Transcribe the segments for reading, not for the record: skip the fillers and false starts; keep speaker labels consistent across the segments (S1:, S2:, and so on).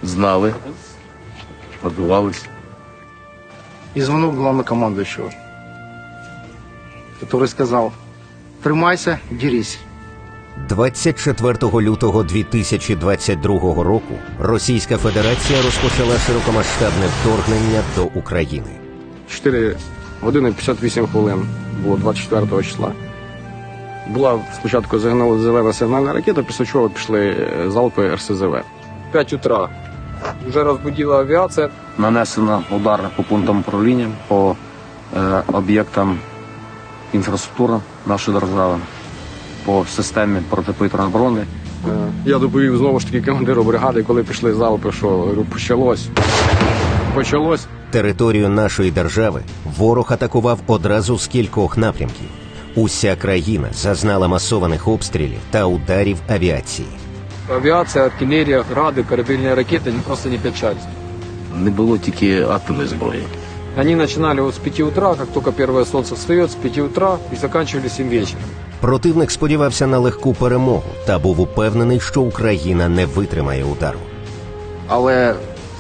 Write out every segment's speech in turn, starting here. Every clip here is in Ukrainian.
S1: знали, готувалися.
S2: И звонок главнокомандующего, который сказал: «Тримайся, дерись».
S3: 24 лютого 2022 року Російська Федерація розпочала широкомасштабне вторгнення до України.
S4: 4 години 58 хвилин було 24 числа. Була спочатку зелена сигнальна ракета, після чого пішли залпи РСЗВ. 5 утра. Вже розбудила авіація.
S1: Нанесено удар по пунктам управління, по об'єктам інфраструктури нашої держави, по системі протиповітряної оборони.
S4: Я доповів знову ж таки командиру бригади, коли пішли залпи, що говорю, почалось.
S3: Територію нашої держави ворог атакував одразу з кількох напрямків. Уся країна зазнала масованих обстрілів та ударів авіації.
S4: Авіація, артилерія, гради, корабельні ракети просто не печались.
S1: Не було тільки атомної зброї.
S4: Они начинали вот с 5 утра, как только первое солнце встает, с 5 утра и заканчивали 7 вечера.
S3: Противник сподівався на легку перемогу та був упевнений, що Україна не витримає удару.
S2: Але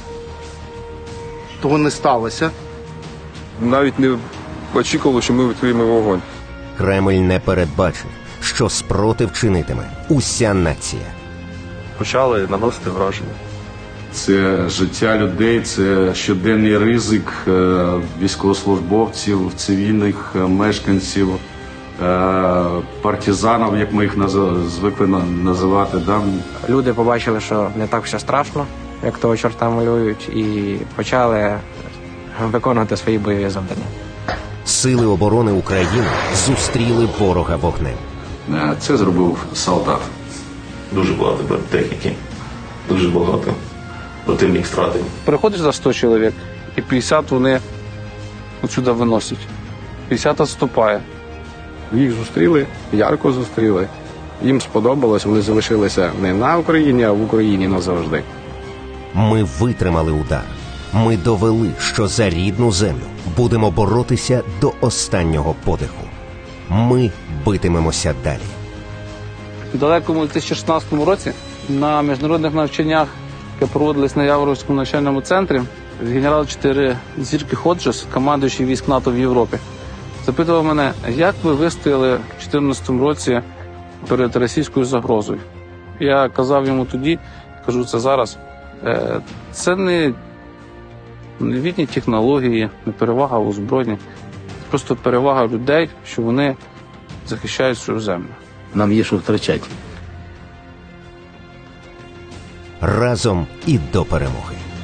S2: того не сталося.
S5: Навіть не очікували, що ми відкриємо вогонь.
S3: Кремль не передбачив, що спротив чинитиме уся нація.
S5: Почали наносити враження.
S6: Це життя людей, це щоденний ризик військовослужбовців, цивільних мешканців, партизанів, як ми їх звикли називати. Да?
S7: Люди побачили, що не так все страшно, як того чорта малюють, і почали виконувати свої бойові завдання.
S3: Сили оборони України зустріли ворога вогнем.
S6: Це зробив солдат.
S8: Дуже багато техніки, дуже багато противник втратив.
S9: Приходиш за 100 чоловік, і 50 вони отсюди виносять. 50 відступає.
S4: Їх зустріли, ярко зустріли. Їм сподобалось, вони залишилися не на Україні, а в Україні назавжди.
S3: Ми витримали удар. Ми довели, що за рідну землю будемо боротися до останнього подиху. Ми битимемося далі.
S9: У далекому 2016 році на міжнародних навчаннях, які проводились на Яворівському навчальному центрі, генерал 4 зірки Ходжес, командуючий військ НАТО в Європі, запитував мене, як ви вистояли в 2014 році перед російською загрозою. Я казав йому тоді, кажу це зараз, це не новітні технології, не перевага в озброєнні, просто перевага людей, що вони захищають свою землю.
S1: Нам є що втрачати.
S3: Разом і до перемоги.